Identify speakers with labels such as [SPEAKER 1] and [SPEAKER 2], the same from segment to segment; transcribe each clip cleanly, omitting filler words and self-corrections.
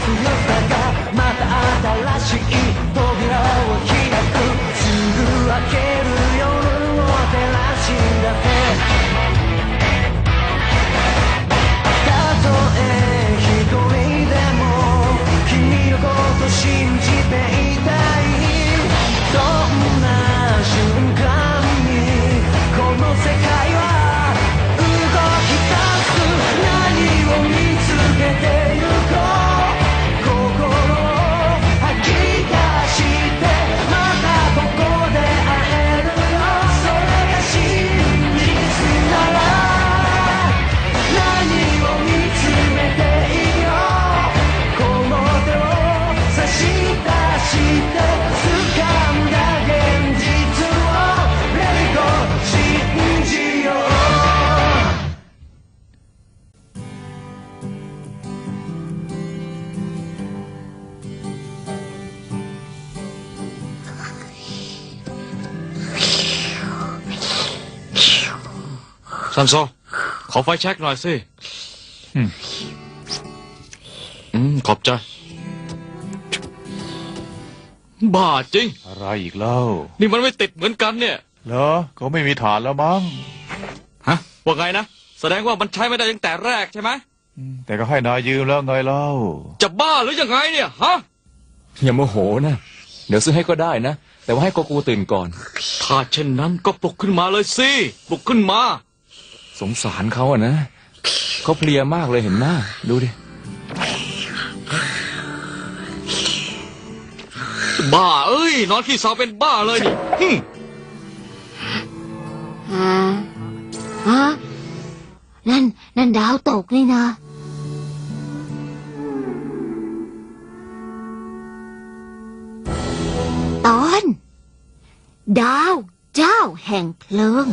[SPEAKER 1] ซันโซขอไฟแช็กหน่อยสิขอบใจบ้าจริง
[SPEAKER 2] อะไรอีกเล่า
[SPEAKER 1] นี่มันไม่ติดเหมือนกันเนี่ย
[SPEAKER 2] เหรอเขาไม่มีฐานแล้วมั้ง
[SPEAKER 1] ฮะว่าไงนะแสดงว่ามันใช้ไม่ได้ตั้งแต่แรกใช่ไหม
[SPEAKER 2] แต่ก็ให้นายยืมแล้วไงเล่า
[SPEAKER 1] จะบ้าหรือยังไงเนี่ยฮะ
[SPEAKER 3] อย่าโมโหนะเดี๋ยวซื้อให้ก็ได้นะแต่ว่าให้โกกูตื่นก่อน
[SPEAKER 1] ถ้าเช่นนั้นก็ปลุกขึ้นมาเลยสิปลุกขึ้นมา
[SPEAKER 3] สงสารเขาอะนะเขาเพลียมากเลยเห็นหน้าดูดิ
[SPEAKER 1] บ้าเอ้ยนอนขี้เสาเป็นบ้าเลยนี่
[SPEAKER 4] นั่นดาวตกนี่นะตอนดาวเจ้าแห่งเพลิง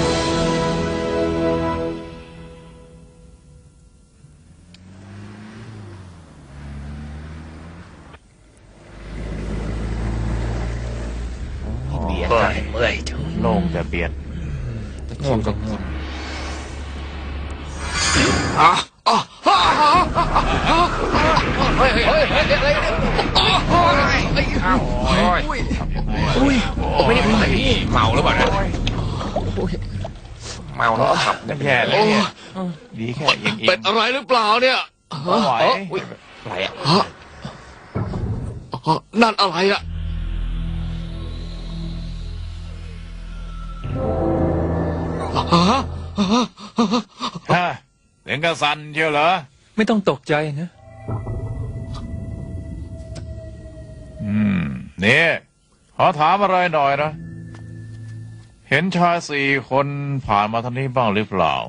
[SPEAKER 2] เมื่อยจังโล่งแต่เบียดง่วงก็ง่วง
[SPEAKER 5] ไม่ได้ไปเมาหรือเปล่านะเมาแล้วขับ
[SPEAKER 2] แย่เลยดีแค่ยังอีก
[SPEAKER 1] เป็นอะไรหรือเปล่าเนี่ย
[SPEAKER 2] ไหว
[SPEAKER 5] อะไรอ่ะ
[SPEAKER 1] นั่นอะไรอ่ะ
[SPEAKER 2] เสียงกระสันเชียวเหรอ
[SPEAKER 3] ไม่ต้องตกใจนะ
[SPEAKER 2] นี่ขอถามอะไรหน่อยนะเห็นชาย4 คนผ่านมาทางนี้บ้างหรือเปล่า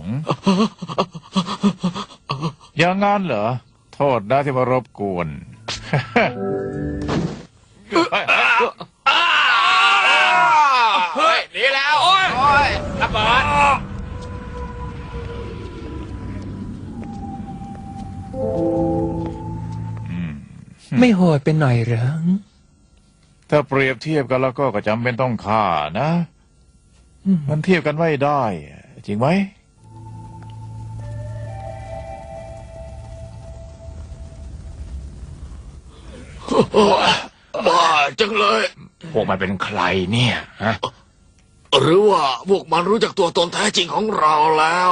[SPEAKER 2] อย่างงั้นเหรอโทษนะที่มารบกวน
[SPEAKER 5] เฮ้ยหนีแล้วโอ้ยระเบิด
[SPEAKER 3] ไม่โหดเป็นหน่อยเหรอ
[SPEAKER 2] ถ้าเปรียบเทียบกันแล้วก็จำเป็นต้องฆ่านะมันเทียบกันไม่ได้จริงไหม
[SPEAKER 1] บ้าจังเลย
[SPEAKER 5] พวกมันเป็นใครเนี่ยฮะ
[SPEAKER 1] หรือว่าพวกมันรู้จักตัวตนแท้จริงของเราแล้ว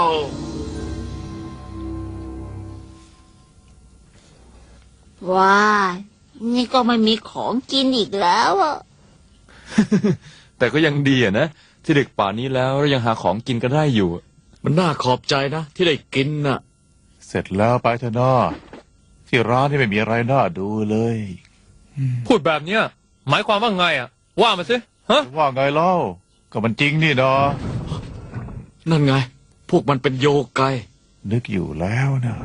[SPEAKER 4] ว้านี่ก็ไม่มีของกินอีกแล้วอ่ะ
[SPEAKER 3] แต่ก็ยังดีอะนะที่เด็กป่านี้แล้วยังหาของกินกันได้อยู่
[SPEAKER 1] มันน่าขอบใจนะที่ได้กินน่ะ
[SPEAKER 2] เสร็จแล้วไปเถอะน้าที่ร้านที่ไม่มีอะไรน่าดูเลย
[SPEAKER 3] พูดแบบเนี้ยหมายความว่าไงอ่ะว่ามาสิฮะ
[SPEAKER 2] ว่าไงเล่าก็มันจริงนี่นาะ
[SPEAKER 1] นั่นไงพวกมันเป็นโยไก
[SPEAKER 2] นึกอยู่แล้วนะ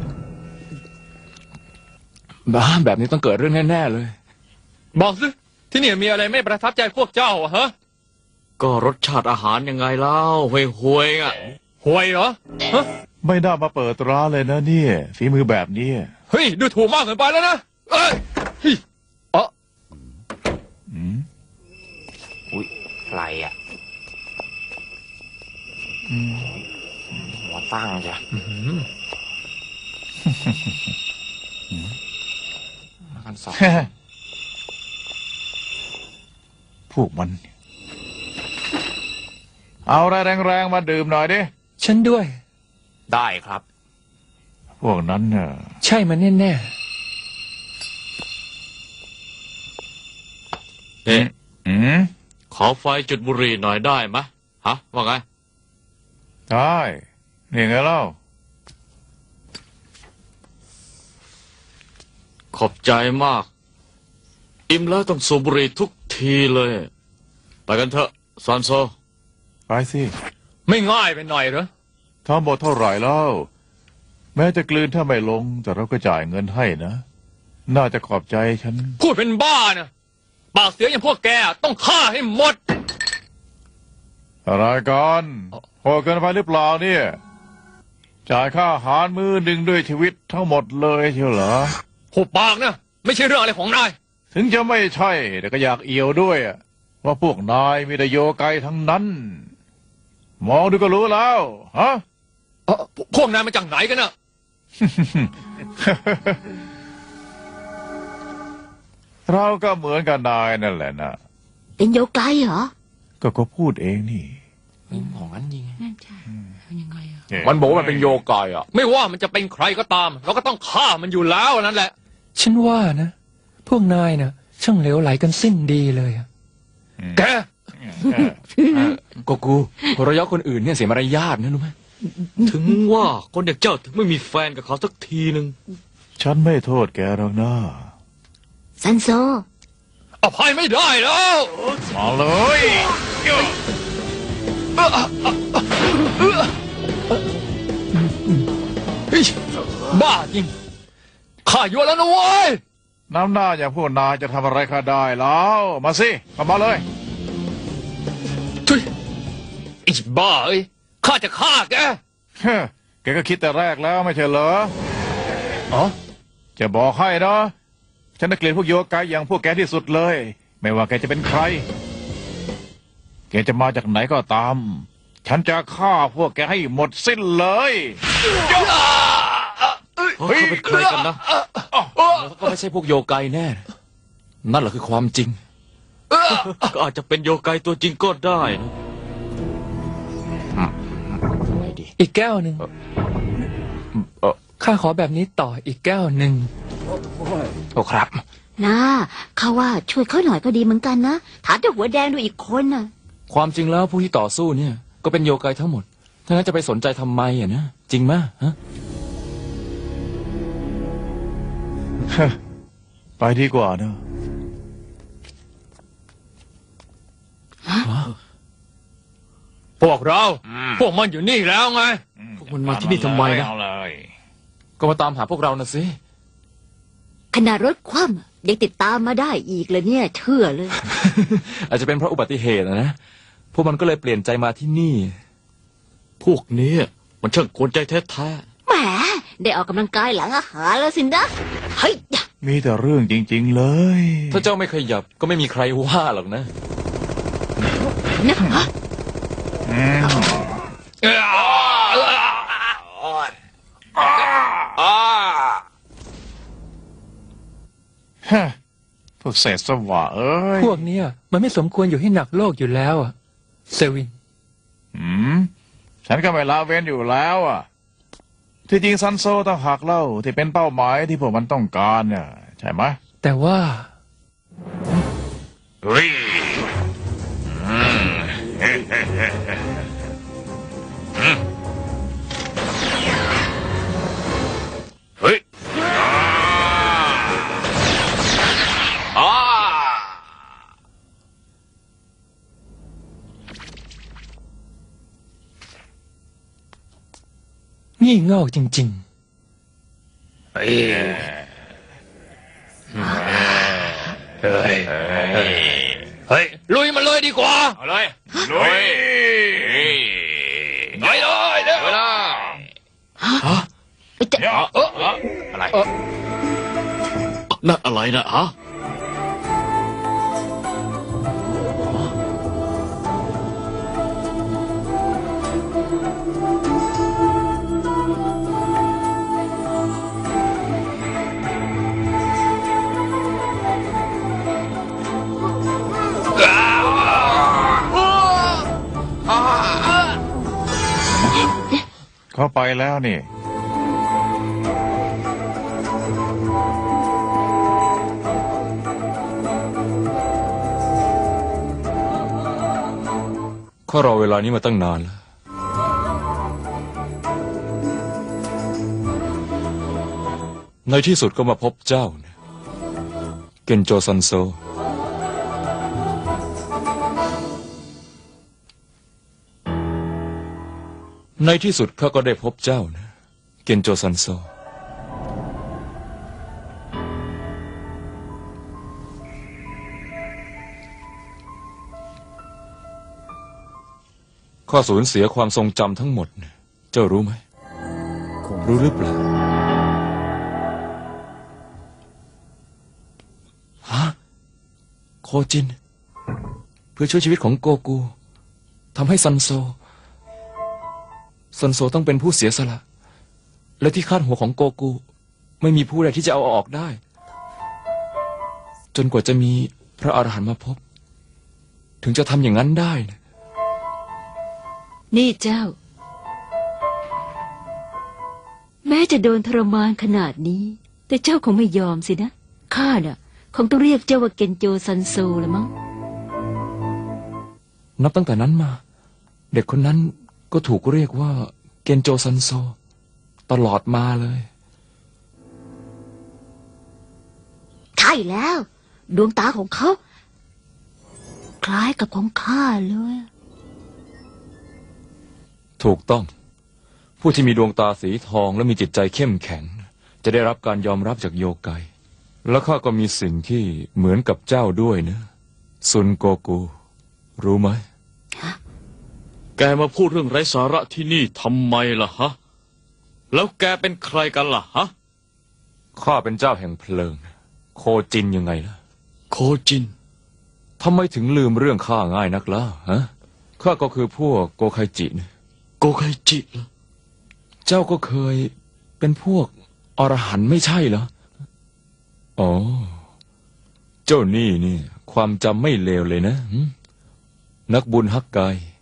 [SPEAKER 3] บ้าแบบนี้ต้องเกิดเรื่องแน่ๆเลยบอกสิที่นี่มีอะไรไม่ประทับใจพวกเจ้าฮะ
[SPEAKER 1] ก็รสชาติอาหารยังไงเล่าห่วยๆอ่ะ
[SPEAKER 3] ห่วยเหรอฮะ
[SPEAKER 2] ไม่น่ามาเปิดร้านเลยนะเนี่ยฝีมือแบบนี้
[SPEAKER 3] เฮ้ยดูถูกมากเกินไปแล้วนะเอ้ย
[SPEAKER 5] อุ้ยอะไรอ่ะหัวตั้งจ้ะ
[SPEAKER 3] 2,200
[SPEAKER 2] พวกมัน เอาอะไรแรงๆมาดื่มหน่อยดิ
[SPEAKER 3] ฉันด้วย
[SPEAKER 5] ได้ครับ
[SPEAKER 2] พวกนั้นน่ะ
[SPEAKER 3] ใช่มันแน่
[SPEAKER 1] เอ๊ะ
[SPEAKER 2] อืม
[SPEAKER 1] ขอไฟจุดบุหรี่หน่อยได้ไหมะฮะ ว่าไง
[SPEAKER 2] ได้นี่ไงเล่า
[SPEAKER 1] ขอบใจมาก อิ่มแล้วต้องสูบบุหรี่ทุกทีเลย ไปกันเถอะซานโซ
[SPEAKER 2] ไปสิ
[SPEAKER 3] ๆ ไม่ง่ายไปหน่อยเหรอ
[SPEAKER 2] ทั้งหมดเท่าไหร่แล้ว แม้จะกลืนถ้าไม่ลง แต่เราก็จ่ายเงินให้นะ น่าจะขอบใจฉัน
[SPEAKER 3] พูดเป็นบ้านะปากเสียอย่างพวกแกต้องฆ่าให้หมด
[SPEAKER 2] อะไรกันโหดเกินไปหรือเปล่าเนี่ย จ่ายค่าอาหารมื้อหนึ่งด้วยชีวิตทั้งหมดเลยเชียวเหรอ
[SPEAKER 3] หุบปากนะไม่ใช่เรื่องอะไรของนาย
[SPEAKER 2] ถึงจะไม่ใช่แต่ก็อยากเอี่ยวด้วยอะว่าพวกนายมีแต่โยไกทั้งนั้น มองดูก็รู้แล้วฮะ
[SPEAKER 3] พวกนายมาจากไหนกันน่ะ
[SPEAKER 2] เราก็เหมือนกับนายนั่นแหละนะ
[SPEAKER 4] เป็นโยไกเหรอ
[SPEAKER 2] ก็เขาพูดเองนี่
[SPEAKER 3] ของนั้นจริง
[SPEAKER 4] นั่นใช่ยังไงอ่ะ
[SPEAKER 5] มันบอกว่ามันเป็นโยกายอ่ะ
[SPEAKER 3] ไม่ว่ามันจะเป็นใครก็ตาม เราก็ต้องฆ่ามันอยู่แล้วนั่นแหละ
[SPEAKER 6] ฉันว่านะ พวกนายนะช่างเหลวไหลกันสิ้นดีเลยอะ
[SPEAKER 3] แก
[SPEAKER 5] ก็กูคนระยะคนอื่นเนี่ยเสียมารยาทนะรู้ไหม
[SPEAKER 1] ถึงว่าคนอย่างเจ้าถึงไม่มีแฟนกับเขาสักทีหนึ่ง
[SPEAKER 2] ฉันไม่โทษแกหรอกนะ
[SPEAKER 4] ซันโซ
[SPEAKER 3] อภัยไม่ได้แล้ว
[SPEAKER 2] มาเลย
[SPEAKER 3] เฮ้ยบ้าจริงข้าอยู่แล้วนะเว้ย
[SPEAKER 2] น้ำหน้าอย่างพวกนายจะทำอะไรข้าได้แล้ว มาสิเข้ามาเลย
[SPEAKER 3] ทุยไอ้บ้าเอ้ยข้าจะฆ่าแก
[SPEAKER 2] เฮ้อแกก็คิดแต่แรกแล้วไม่ใช่เหรอ
[SPEAKER 3] อ๋อ
[SPEAKER 2] จะบอกให้นะฉันน่ะเกลียดพวกโยกายอย่างพวกแกที่สุดเลย ไม่ว่าแกจะเป็นใคร แกจะมาจากไหนก็ตาม ฉันจะฆ่าพวกแกให้หมดสิ้นเลย
[SPEAKER 1] เขาเป็นใครกันนะ
[SPEAKER 5] ก็ไม่ใช่พวกโยกายแน่ นั่นแหละคือความจริง
[SPEAKER 1] ก็อาจจะเป็นโยไกตัวจริงก็ได้นะ
[SPEAKER 5] ไม่ดี
[SPEAKER 6] อีกแก้วหนึ่งข้าขอแบบนี้ต่ออีกแก้วหนึ่ง
[SPEAKER 5] โอ้ครับ
[SPEAKER 4] นะเขาว่าช่วยเขาหน่อยก็ดีเหมือนกันนะถามเจ้าหัวแดงดูอีกคนน่ะ
[SPEAKER 5] ความจริงแล้วผู้ที่ต่อสู้เนี่ย ก็เป็นโยกายทั้งหมดถ้างั้นจะไปสนใจทำไมอ่ะนะจริงไหมฮะ
[SPEAKER 2] ไปดีกว่านะ
[SPEAKER 3] พวกเรา พวกมันอยู่นี่แล้วไง
[SPEAKER 1] พวกมันมาที่นี่ทำไมนะ
[SPEAKER 2] เอาเลย
[SPEAKER 5] ก็มาตามหาพวกเรานะสิ
[SPEAKER 4] ขนาดรถคว่ำยังติดตามมาได้อีกเลยเนี่ย เชื่อเลย
[SPEAKER 5] อาจจะเป็นเพราะอุบัติเหตุนะพวกมันก็เลยเปลี่ยนใจมาที่นี่
[SPEAKER 1] พวกนี้มันช่างกวนใจแท้
[SPEAKER 4] แหมได้ออกกำลังกายหลังอาหารแล้วสินะเฮ้ย
[SPEAKER 2] มีแต่เรื่องจริง ๆ เลย
[SPEAKER 5] ถ้าเจ้าไม่ขยับก็ไม่มีใครว่าหรอกนะ
[SPEAKER 4] นะฮะ
[SPEAKER 2] ฮะพวกเศษสวะเอ้ย
[SPEAKER 6] พวกเนี้ยมันไม่สมควรอยู่ให้หนักโลกอยู่แล้วอะเซวิน
[SPEAKER 2] ฉันก็ไม่ละเว้นอยู่แล้วอ่ะ ที่จริงซันโซต้องหักเล่าที่เป็นเป้าหมายที่พวกมันต้องการเนี่ยใช่ไหม
[SPEAKER 6] แต่ว่า
[SPEAKER 2] เฮ้ย
[SPEAKER 1] เฮ้ย
[SPEAKER 6] งี่เง่าจริง
[SPEAKER 1] เฮ้ย
[SPEAKER 3] เฮ้ย ลุยมันเลยดีกว่า
[SPEAKER 1] เอาเลยลุยไปเลยเร็วนะ
[SPEAKER 4] จะ
[SPEAKER 1] อะไรนั่นอะไรนะฮะ
[SPEAKER 2] เขาไปแล้วนี่
[SPEAKER 5] ข้ารอเวลานี้มาตั้งนานแล้ว ในที่สุดก็มาพบเจ้าเนี่ยเกนโจซันโซ ในที่สุดข้าก็ได้พบเจ้านะเกนโจซันโซ ข้าสูญเสียความทรงจำทั้งหมดเนี่ยเจ้ารู้ไหม รู้หรือเปล่า ฮะ โคจิน เพื่อช่วยชีวิตของโกกูทำให้ซันโซต้องเป็นผู้เสียสละ และที่คาดหัวของโกกูไม่มีผู้ใดที่จะเอาออกได้ จนกว่าจะมีพระอรหันต์มาพบ ถึงจะทำอย่างนั้นได้นะ
[SPEAKER 7] นี่เจ้า แม้จะโดนทรมานขนาดนี้ แต่เจ้าคงไม่ยอมสินะข้าน่ะคงต้องเรียกเจ้าว่าเกนโจซันโซละมั้ง
[SPEAKER 5] นับตั้งแต่นั้นมา เด็กคนนั้นก็ถูกเรียกว่าเกนโจซันโซตลอดมาเลย
[SPEAKER 4] ใช่แล้ว ดวงตาของเขา คล้ายกับของข้าเลย
[SPEAKER 5] ถูกต้อง ผู้ที่มีดวงตาสีทองและมีจิตใจเข้มแข็ง จะได้รับการยอมรับจากโยไก และข้าก็มีสิ่งที่เหมือนกับเจ้าด้วยนะซุนโกกู รู้ไหม
[SPEAKER 1] แกมาพูดเรื่องไร้สาระที่นี่ทำไมล่ะฮะ แล้วแกเป็นใครกันล่ะฮะ
[SPEAKER 5] ข้าเป็นเจ้าแห่งเพลิง โคจินยังไงล่ะ
[SPEAKER 1] โคจิน
[SPEAKER 5] ทำไมถึงลืมเรื่องข้าง่ายนักล่ะฮะ ข้าก็คือพวกโกไคจินะ
[SPEAKER 1] โกไคจิเหรอ
[SPEAKER 5] เจ้าก็เคยเป็นพวกอรหันต์ไม่ใช่เหรอ อ๋อ เจ้านี่ความจำไม่เลวเลยนะหึนักบุญฮักไก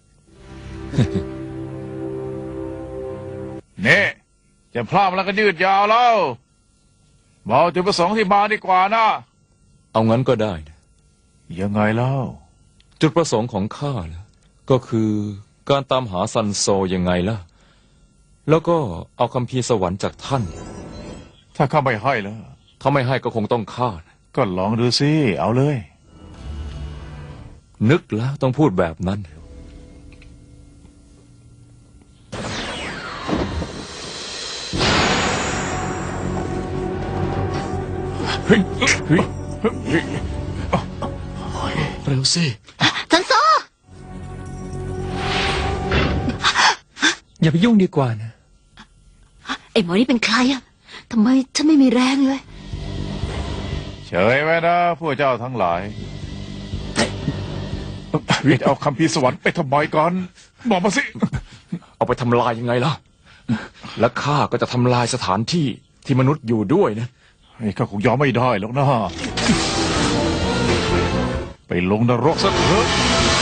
[SPEAKER 2] นี่จะพลาดแล้วก็ยืดยาวแล้วบอกจุดประสงค์ที่มาดีกว่านะ
[SPEAKER 5] เอางั้นก็ได้นะ
[SPEAKER 2] ยังไงเล่า
[SPEAKER 5] จุดประสงค์ของข้าล่ะก็คือการตามหาซันโซยังไงล่ะ แล้วก็เอาคัมภีร์สวรรค์จากท่าน
[SPEAKER 2] ถ้าข้าไม่ให้แล้ว
[SPEAKER 5] ถ้าไม่ให้ก็คงต้องฆ่านะ
[SPEAKER 2] ก็ลองดูสิเอาเลย
[SPEAKER 5] นึกแล้วต้องพูดแบบนั้น
[SPEAKER 1] เร็วสิ
[SPEAKER 4] ซันโซ
[SPEAKER 6] อย่าไปยุ่งดีกว่านะ
[SPEAKER 7] ไอ้หมอนี่เป็นใครอะทำไมฉันไม่มีแรงเลย
[SPEAKER 2] เฉยไว้นะพวกเจ้าทั้งหลายจะเอาคำพีร์สวรรค์ไปทำไมกันบอกมาสิ
[SPEAKER 5] เอาไปทำลายยังไงล่ะ และข้าก็จะทำลายสถานที่ที่มนุษย์อยู่ด้วยนะ
[SPEAKER 2] ไอ้ข้าคงยอมไม่ได้หรอกนะไปลงนรกซะเถอะ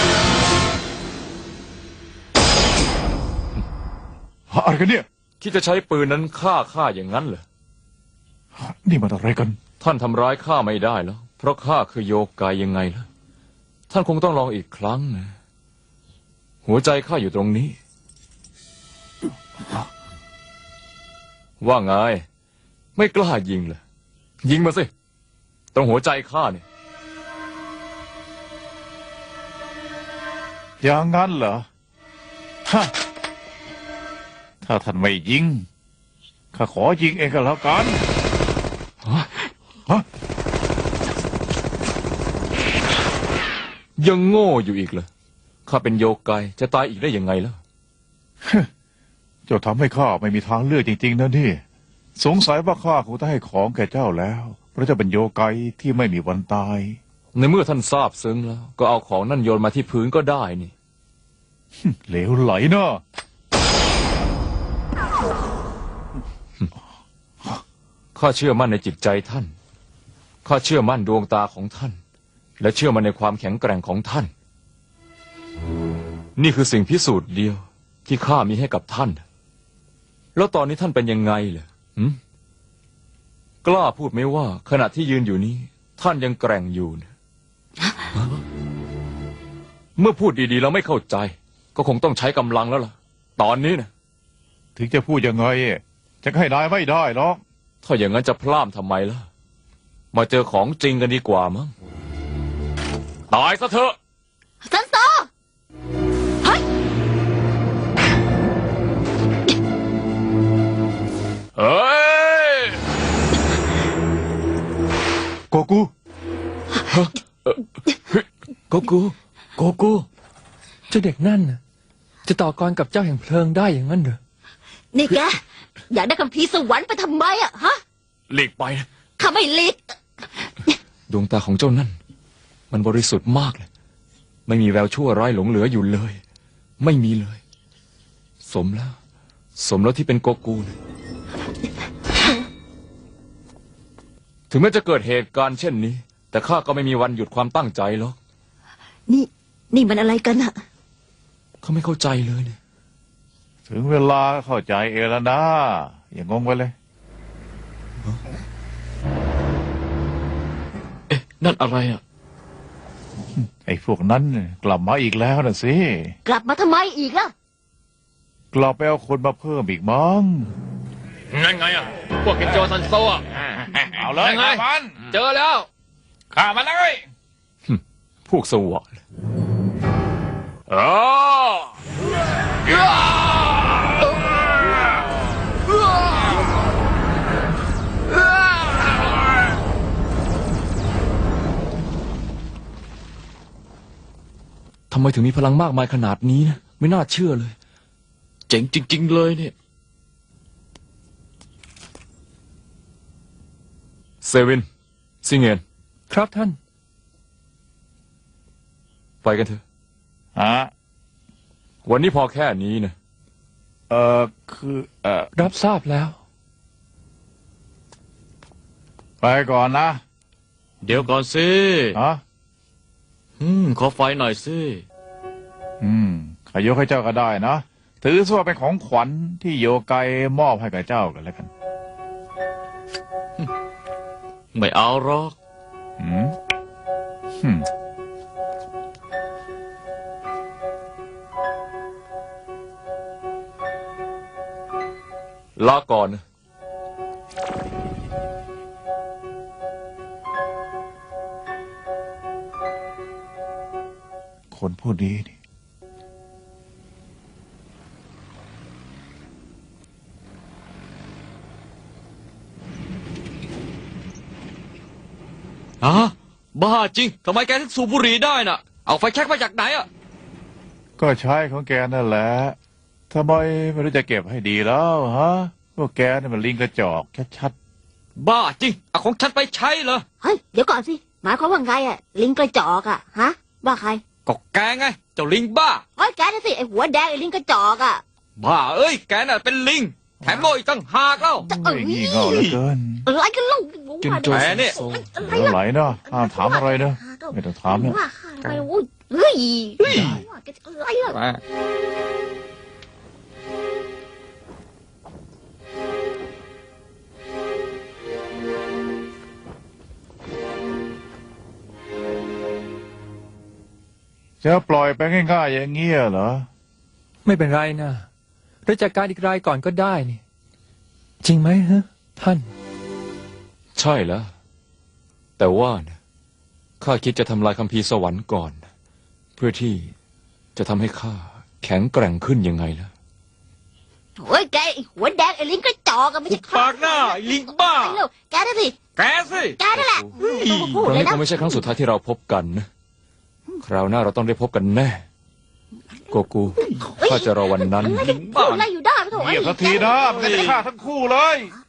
[SPEAKER 2] อะไรกันเนี่ย
[SPEAKER 5] ที่จะใช้ปืนนั้นฆ่าข้าอย่างนั้นเหรอ
[SPEAKER 2] นี่มันอะไรกัน
[SPEAKER 5] ท่านทำร้ายข้าไม่ได้แล้ว เพราะข้าคือโยกายยังไงล่ะ ท่านคงต้องลองอีกครั้งนะ หัวใจข้าอยู่ตรงนี้ ว่าไง ไม่กล้ายิงเลยยิงมาสิ ตรงหัวใจข้าเนี่ย
[SPEAKER 2] อย่างนั้นเหรอฮะถ้าท่านไม่ยิงข้าขอยิงเองก็แล้วกันฮะ
[SPEAKER 5] ยังโง่อยู่อีกเหรอข้าเป็นโยกายจะตายอีกได้ยังไงล่ะ
[SPEAKER 2] เจ้าทำให้ข้าไม่มีทางเลือกจริงๆนะนี่สงสัยว่าข้าคงต้องให้ของแก่เจ้าแล้วเพราะเจ้าเป็นโยไกที่ไม่มีวันตาย
[SPEAKER 5] ในเมื่อท่านทราบซึ้งแล้ว ก็เอาของนั่นโยนมาที่พื้นก็ได้นี่
[SPEAKER 2] เหลวไหลเนาะ
[SPEAKER 5] ข้าเชื่อมั่นในจิตใจท่าน ข้าเชื่อมั่นดวงตาของท่าน และเชื่อมั่นในความแข็งแกร่งของท่าน นี่คือสิ่งพิสูจน์เดียวที่ข้ามีให้กับท่านแล้วตอนนี้ท่านเป็นยังไงเหรอหืมกล้าพูดไหมว่า ขณะที่ยืนอยู่นี้ ท่านยังแกร่งอยู่นะเมื่อพูดดีๆแล้วไม่เข้าใจ ก็คงต้องใช้กำลังแล้วล่ะ ตอนนี้นะ
[SPEAKER 2] ถึงจะพูดยังไงจะให้นายไม่ได้หรอก
[SPEAKER 5] ถ้าอย่างนั้นจะพล่ามทำไมล่ะ มาเจอของจริงกันดีกว่ามั้งตายซะเถอะ
[SPEAKER 4] ซันโซเฮ้ย
[SPEAKER 5] เฮ้ย
[SPEAKER 2] โกกู
[SPEAKER 5] โกกู
[SPEAKER 1] โกกู
[SPEAKER 6] เจ้าเด็กนั่นน่ะจะต่อกรกับเจ้าแห่งเพลิงได้อย่างนั้นเหรอ
[SPEAKER 4] นี่แกอยากได้คัมภีร์สวรรค์ไปทำไมอะฮะ
[SPEAKER 5] หลีกไปนะ
[SPEAKER 4] ข้าไม่หลีก
[SPEAKER 5] ดวงตาของเจ้านั่น มันบริสุทธิ์มากเลย ไม่มีแววชั่วร้ายหลงเหลืออยู่เลย ไม่มีเลย สมแล้วที่เป็นโกกูนะถึงแม้จะเกิดเหตุการณ์เช่นนี้ แต่ข้าก็ไม่มีวันหยุดความตั้งใจหรอก
[SPEAKER 4] นี่มันอะไรกันอะ
[SPEAKER 5] เขาไม่เข้าใจเลยเนี่ย
[SPEAKER 2] ถึงเวลาเข้าใจเองแล้วนะอย่างงงไปเลย
[SPEAKER 1] เอ๊ะ นั่นอะไรอ่ะ
[SPEAKER 2] ไอ้พวกนั้นกลับมาอีกแล้วนะสิ
[SPEAKER 4] กลับมาทำไมอีกล่ะ
[SPEAKER 2] กลับไปเอาคนมาเพิ่มอีกมั้ง
[SPEAKER 3] นั่นไงอ่ะ พวกเกนโจซันโซอ่ะ
[SPEAKER 2] เอาเลย
[SPEAKER 3] ยังไง
[SPEAKER 2] ฆ่ามัน
[SPEAKER 3] เจอแล้ว
[SPEAKER 2] ฆ่ามันเลย
[SPEAKER 5] พวกสวะทำไมถึงมีพลังมากมายขนาดนี้นะ ไม่น่าเชื่อเลย
[SPEAKER 1] เจ๋งจริง ๆ เลยเนี่ย
[SPEAKER 5] เซวินซิงเงน
[SPEAKER 6] ครับท่าน
[SPEAKER 5] ไปกันเถอะ
[SPEAKER 2] ฮะ
[SPEAKER 5] วันนี้พอแค่นี้นะ
[SPEAKER 2] คือ
[SPEAKER 6] รับทราบแล้ว
[SPEAKER 2] ไปก่อนนะ
[SPEAKER 1] เดี๋ยวก่อนสิ
[SPEAKER 2] ฮะ
[SPEAKER 1] ขอไฟหน่อยสิ
[SPEAKER 2] ขายกให้เจ้าก็ได้นะ ถือซะว่าเป็นของขวัญที่โยไกมอบให้กับเจ้ากันแล้วกัน
[SPEAKER 1] ไม่เอาหรอก
[SPEAKER 2] อืม
[SPEAKER 5] ลาก่อนนะ
[SPEAKER 2] คนผู้นี้นี่
[SPEAKER 1] บ้าจริง ทำไมแกถึงสูบบุหรี่ได้น่ะ เอาไฟแช็กมาจากไหนอ่ะ
[SPEAKER 2] ก็ใช้ของแกนั่นแหละทำไมไม่รู้จะเก็บให้ดีแล้วฮะพวกแกนี่มันลิงกระจอกชัด
[SPEAKER 1] บ้าจริง เอาของฉันไปใช้เหรอ
[SPEAKER 4] เฮ้ย เดี๋ยวก่อนสิ หมายความว่าไงอะลิงกระจอกอะฮะ ว่าใคร
[SPEAKER 1] ก็แกไง เจ้าลิงบ้า
[SPEAKER 4] เฮ้ยแกน่ะสิไอหัวแดงไอลิงกระจอกอะ
[SPEAKER 1] บ้าเอ้ย แกน่ะเป็นลิง แถมโง่อีกตั้งหากแล้ว
[SPEAKER 2] ๆไม่งี่เง่าเหลือเกิน
[SPEAKER 4] อะไรกันเล่า
[SPEAKER 5] กินโจ
[SPEAKER 1] แหม
[SPEAKER 5] ซัน
[SPEAKER 1] เนี่ย
[SPEAKER 5] โซ
[SPEAKER 4] อะไร
[SPEAKER 2] เหลือ
[SPEAKER 4] ล่ะ
[SPEAKER 2] ไหลเนาะห้ามถามอะไรเนาะไม่ต้องถามเนี่ย
[SPEAKER 4] ว่าข้าทำไมโอ้ยเฮ้ยว่าแกจะอะไรล่ะ
[SPEAKER 2] จะปล่อยไปง่ายๆอย่างเงี้ยเหรอ
[SPEAKER 6] ไม่เป็นไรนะเราจัดการอีกรายก่อนก็ได้นี่ จริงไหมฮะ ท่าน
[SPEAKER 5] ใช่แล้ว แต่ว่านะข้าคิดจะทำลายคัมภีร์สวรรค์ก่อน เพื่อที่จะทำให้ข้าแข็งแกร่งขึ้นยังไงล่ะ
[SPEAKER 4] โอ้ยแกไอหัวแดงไอลิงกระจอกอะไม่ใช่
[SPEAKER 1] หุบปากหน้าไอ้ลิงบ้า
[SPEAKER 4] ไปเร็วแกน่ะสิ
[SPEAKER 1] แกสิ
[SPEAKER 4] แกนั่นแหละพูด
[SPEAKER 5] ครั้ง
[SPEAKER 4] เลย
[SPEAKER 5] นี้
[SPEAKER 4] นะ
[SPEAKER 5] คงไม่ใช่ครั้งสุดท้ายที่เราพบกันนะ คราวหน้าเราต้องได้พบกันแน่ โกกูข้าจะรอวันนั้น
[SPEAKER 4] พูดอะไรอยู่ได้ไม่ถูก
[SPEAKER 2] เงียบสักทีนะมันจะฆ่าทั้งคู่เลย
[SPEAKER 4] เ